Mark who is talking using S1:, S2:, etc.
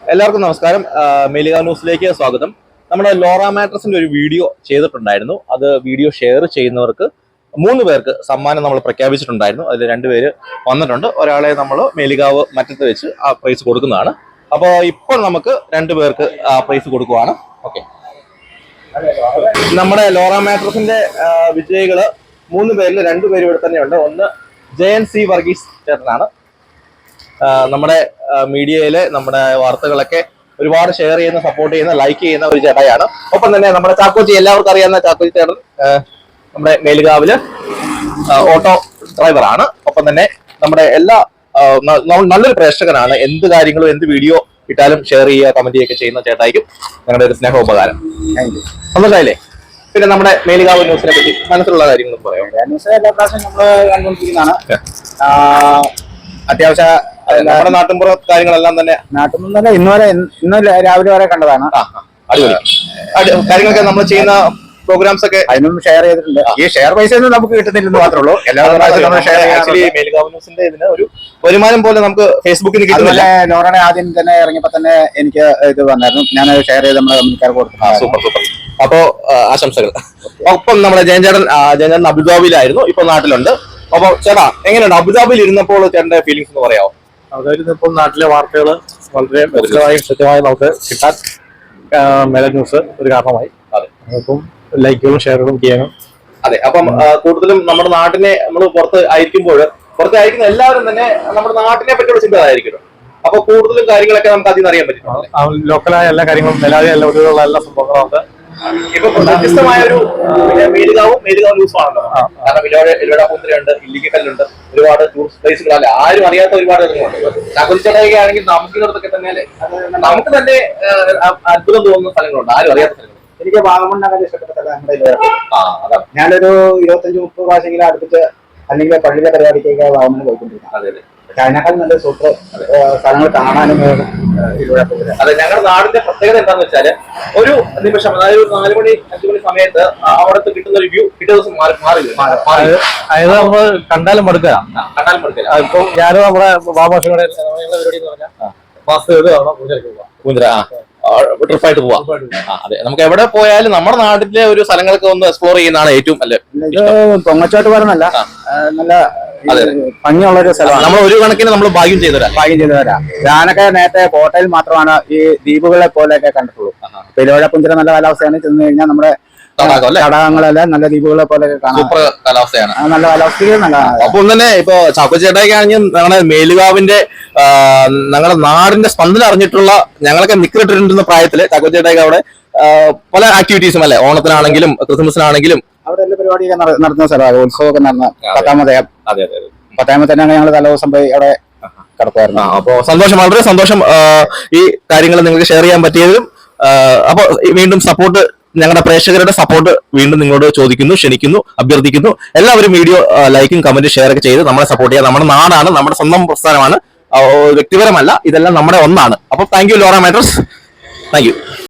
S1: എല്ലാവർക്കും നമസ്കാരം. മേലിക ന്യൂസിലേക്ക് സ്വാഗതം. നമ്മുടെ ലോറ മാട്രസിന്റെ ഒരു വീഡിയോ ചെയ്തിട്ടുണ്ടായിരുന്നു. അത് വീഡിയോ ഷെയർ ചെയ്യുന്നവർക്ക് 3 പേർക്ക് സമ്മാനം നമ്മൾ പ്രഖ്യാപിച്ചിട്ടുണ്ടായിരുന്നു. അതിൽ 2 പേര് വന്നിട്ടുണ്ട്. ഒരാളെ നമ്മൾ മേലികാവ് മറ്റത്ത് വെച്ച് ആ പ്രൈസ് കൊടുക്കുന്നതാണ്. അപ്പോൾ ഇപ്പോൾ നമുക്ക് 2 പേർക്ക് ആ പ്രൈസ് കൊടുക്കുവാണ്. ഓക്കെ, നമ്മുടെ ലോറ മാട്രസിന്റെ വിജയികള് 3 പേരിൽ 2 പേര് ഇവിടെ തന്നെയുണ്ട്. ഒന്ന് JNC വർഗീസ് ചേട്ടനാണ്. നമ്മുടെ മീഡിയയിലെ നമ്മുടെ വാർത്തകളൊക്കെ ഒരുപാട് ഷെയർ ചെയ്യുന്ന, സപ്പോർട്ട് ചെയ്യുന്ന, ലൈക്ക് ചെയ്യുന്ന ഒരു ചേട്ടായാണ്. ഒപ്പം തന്നെ നമ്മുടെ ചാക്കോച്ചി, എല്ലാവർക്കും അറിയാവുന്ന ചാക്കോച്ചി ചേട്ടൻ നമ്മുടെ മേലുകാവില് ഓട്ടോ ഡ്രൈവറാണ്. ഒപ്പം തന്നെ നമ്മുടെ എല്ലാ നല്ലൊരു പ്രേക്ഷകനാണ്. എന്ത് കാര്യങ്ങളും എന്ത് വീഡിയോ ഇട്ടാലും ഷെയർ ചെയ്യുക, കമന്റ് ചെയ്യുകയൊക്കെ ചെയ്യുന്ന ചേട്ടായിരിക്കും. ഞങ്ങളുടെ ഒരു സ്നേഹോപകാരം. സന്തോഷമായില്ലേ? പിന്നെ നമ്മുടെ മേലുകാവ് ന്യൂസിനെ പറ്റി മനസ്സിലുള്ള കാര്യങ്ങൾ പറയാം.
S2: ന്യൂസ് എല്ലാ പ്രാവശ്യം നമ്മൾ കണ്ടുകൊണ്ടിരിക്കുന്നതാണ്. അത്യാവശ്യ
S1: നമ്മുടെ നാട്ടിൻപുറ കാര്യങ്ങളെല്ലാം തന്നെ
S2: നാട്ടിൽ ഇന്ന് രാവിലെ വരെ കണ്ടതാണ്.
S1: അടിപൊളി കാര്യങ്ങളൊക്കെ നമ്മൾ ചെയ്യുന്ന പ്രോഗ്രാംസ് ഒക്കെ
S2: അതിനും ഷെയർ ചെയ്തിട്ടുണ്ട്. ഈ ഷെയർ പൈസ ഒന്നും നമുക്ക് കിട്ടുന്നില്ലെന്ന് മാത്രമേ ഉള്ളൂ.
S1: മേലുകാവ് ഇതിന് ഒരു വരുമാനം പോലെ നമുക്ക് ഫേസ്ബുക്കിൽ കിട്ടുന്നില്ല.
S2: ലോറയുടെ ആദ്യം തന്നെ ഇറങ്ങിയപ്പോ തന്നെ എനിക്ക് ഇത് വന്നായിരുന്നു. ഞാൻ ഷെയർ ചെയ്ത് നമ്മുടെ കമ്പനിക്കാർക്ക് കൊടുത്തു.
S1: Super super. അപ്പോ ആശംസകൾ. ഒപ്പം നമ്മുടെ ജയൻചേട്ടൻ അബുദാബിയിലായിരുന്നു, ഇപ്പൊ നാട്ടിലുണ്ട്. അപ്പൊ ചേട്ടാ, എങ്ങനെയുണ്ട് അബുദാബിയിൽ ഇരുന്നപ്പോൾ ചേട്ടന്റെ ഫീലിംഗ്സ് എന്ന് പറയാമോ?
S3: അതായത് ഇപ്പോൾ നാട്ടിലെ വാർത്തകൾ വളരെ വ്യക്തമായും കൃത്യമായും നമുക്ക് കിട്ടാൻ മേല ന്യൂസ് ഒരു കാരണമായി.
S1: അതെ,
S3: അപ്പം ലൈക്കുകളും ഷെയറുകളും ചെയ്യാനും.
S1: അതെ, അപ്പം കൂടുതലും നമ്മുടെ നാട്ടിനെ നമ്മൾ പുറത്ത് അയക്കുന്ന എല്ലാവരും തന്നെ നമ്മുടെ നാട്ടിനെ പറ്റിയുള്ള ചിന്തകളായിരിക്കും. അപ്പൊ കൂടുതലും കാര്യങ്ങളൊക്കെ നമുക്ക് അതിൽ നിന്ന് അറിയാൻ പറ്റും.
S3: ലോക്കലായ എല്ലാ കാര്യങ്ങളും നിലവിലുള്ള ഒരുവിധമുള്ള എല്ലാ സംഭവങ്ങളും നമുക്ക്
S1: ഇപ്പൊ വ്യത്യസ്തമായ ഒരു മേലുകാവ് ന്യൂസാണല്ലോ. കാരണം ഇലോട പൂന്തിരയുണ്ട്, ഇല്ലിക്കല്ലുണ്ട്, ഒരുപാട് ടൂറിസ്റ്റ് പ്ലേസുകളല്ല, ആരും അറിയാത്ത ഒരുപാട് കാര്യങ്ങളുണ്ട്. ചാക്കോച്ചിച്ചടയൊക്കെ ആണെങ്കിൽ നമുക്കിടത്തൊക്കെ തന്നെ നമുക്ക് തന്നെ അത്ഭുതം തോന്നുന്ന സ്ഥലങ്ങളുണ്ട്, ആരും അറിയാത്ത സ്ഥലങ്ങൾ.
S2: എനിക്ക് വാഗമൺ നഗരം ഇഷ്ടപ്പെട്ട സ്ഥലം. ഞാനൊരു 25-30 പ്രാവശ്യമെങ്കിലും അടുപ്പിച്ച് അല്ലെങ്കിൽ പള്ളിയിലെ പരിപാടിക്കൊക്കെ വാഗമണ് പോയിക്കൊണ്ടിരിക്കുന്നത്.
S1: അതെ,
S2: അതിനേക്കാൾ നല്ല സൂപ്പർ സ്ഥലങ്ങൾ കാണാനും.
S1: അതെ, ഞങ്ങളുടെ നാടിന്റെ പ്രത്യേകത എന്താണെന്ന് വെച്ചാല് ഒരു നിമിഷം, അതായത് 4 മണി 5 മണി സമയത്ത് അവിടുത്തെ കിട്ടുന്ന ഒരു വ്യൂ പിറ്റേ ദിവസം മാറില്ല.
S3: അതായത് നമ്മൾ കണ്ടാലും മടുക്കുക.
S1: ഇപ്പൊ
S3: ഞാനും നമ്മുടെ ബാബാഷയുടെ പരിപാടി എന്ന് പറഞ്ഞാൽ
S1: ട്രിപ്പായിട്ട് പോവാം. അതെ, നമുക്ക് എവിടെ പോയാലും നമ്മുടെ നാട്ടിലെ ഒരു സ്ഥലങ്ങളൊക്കെ ഒന്ന് എക്സ്പ്ലോർ ചെയ്യുന്നതാണ് ഏറ്റവും അല്ലേ.
S2: പൊങ്ങച്ചോട്ട് പറഞ്ഞല്ല, നല്ല ഭംഗിയുള്ള ഒരു സ്ഥലമാണ്.
S1: നമ്മൾ ഒരു കണക്കിന് നമ്മൾ ഭാഗ്യം ചെയ്തവരാ.
S2: ഞാനൊക്കെ നേരത്തെ കോട്ടയിൽ മാത്രമാണ് ഈ ദ്വീപുകളെ പോലെയൊക്കെ കണ്ടിട്ടുള്ളൂ. പെരുവഴപ്പുഞ്ചിര നല്ല കാലാവസ്ഥയാണ്. ചെന്ന് കഴിഞ്ഞാൽ നമ്മുടെ തടാകങ്ങളെല്ലാം നല്ല ദ്വീപുകളെ പോലെയൊക്കെ കാണാം.
S1: സൂപ്പർ കാലാവസ്ഥയാണ്.
S2: നല്ല കാലാവസ്ഥയും നല്ല.
S1: അപ്പം തന്നെ ഇപ്പൊ ചാക്കോച്ചേട്ടയൊക്കെ ആണെങ്കിൽ ഞങ്ങളുടെ മേലുകാവിന്റെ ഞങ്ങളുടെ നാടിന്റെ സ്പന്ദനം അറിഞ്ഞിട്ടുള്ള, ഞങ്ങളൊക്കെ നിക്കിട്ടിട്ടുണ്ടെന്ന പ്രായത്തില് ചാക്കോച്ചേട്ടയൊക്കെ അവിടെ പല ആക്ടിവിറ്റീസും അല്ലെ, ഓണത്തിനാണെങ്കിലും ക്രിസ്മസിനാണെങ്കിലും
S2: അവിടെ എല്ലാ പരിപാടിയൊക്കെ നടത്തുന്ന സ്ഥലമാണ്. ഉത്സവമൊക്കെ നടന്ന പത്താമത്തെ ഞങ്ങൾ തലേദിവസം പോയി അവിടെ കിടക്കുമായിരുന്നു.
S1: അപ്പൊ സന്തോഷം, വളരെ സന്തോഷം ഈ കാര്യങ്ങൾ നിങ്ങൾക്ക് ഷെയർ ചെയ്യാൻ പറ്റിയതും. അപ്പൊ വീണ്ടും സപ്പോർട്ട്, ഞങ്ങളുടെ പ്രേക്ഷകരുടെ സപ്പോർട്ട് വീണ്ടും നിങ്ങളോട് ചോദിക്കുന്നു, ക്ഷണിക്കുന്നു, അഭ്യർത്ഥിക്കുന്നു. എല്ലാവരും വീഡിയോ ലൈക്കും കമന്റും ഷെയർ ഒക്കെ ചെയ്ത് നമ്മളെ സപ്പോർട്ട് ചെയ്യുക. നമ്മുടെ നാടാണ്, നമ്മുടെ സ്വന്തം പ്രസ്ഥാനമാണ്, വ്യക്തിപരമല്ല, ഇതെല്ലാം നമ്മുടെ ഒന്നാണ്. അപ്പൊ thank you Lora mattress, thank U.